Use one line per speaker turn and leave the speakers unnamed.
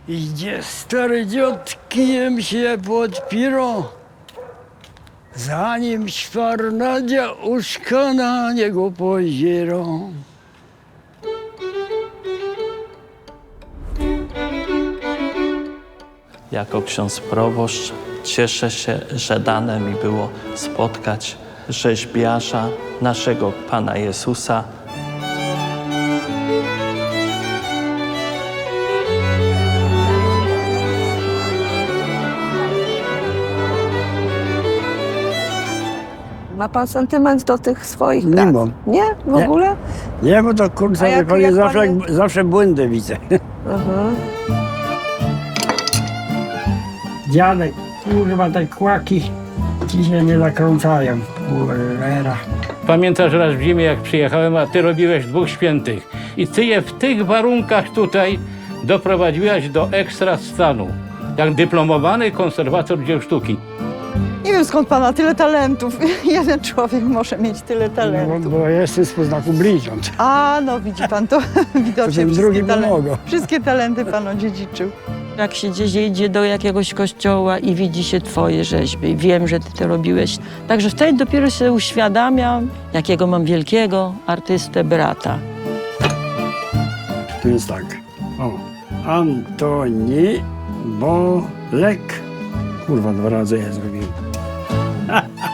Idzie stary dziad, kijem się podpierą. Zanim szwarnadzia uszka na niego pozierą.
Jako ksiądz proboszcz cieszę się, że dane mi było spotkać rzeźbiarza, naszego Pana Jezusa.
Ma pan sentyment do tych swoich
Nie
prac?
mam.
Nie? W
Nie.
ogóle?
Nie, bo to kurczę,
A jak-
wie pani,
jak
zawsze,
pani-
zawsze błędy widzę.
Mhm.
Dziadek, kurwa, te kłaki ci się nie zakrącają. Cholera.
Pamiętasz raz w zimie, jak przyjechałem, a ty robiłeś 2 świętych. I ty je w tych warunkach tutaj doprowadziłaś do ekstra stanu. Jak dyplomowany konserwator dzieł sztuki.
Nie wiem, skąd pana tyle talentów. Jeden człowiek może mieć tyle
No,
talentów.
bo jestem z poznaku bliźniąt.
A, no widzi pan to widocznie.
tym drugim pomogą.
Wszystkie talenty pan odziedziczył.
Jak się gdzieś idzie do jakiegoś kościoła i widzi się twoje rzeźby i wiem, że ty to robiłeś. Także wtedy dopiero się uświadamiam, jakiego mam wielkiego artystę brata.
Tu jest tak. O. Antoni Bolek. Kurwa, 2 razy ja zrobiłem.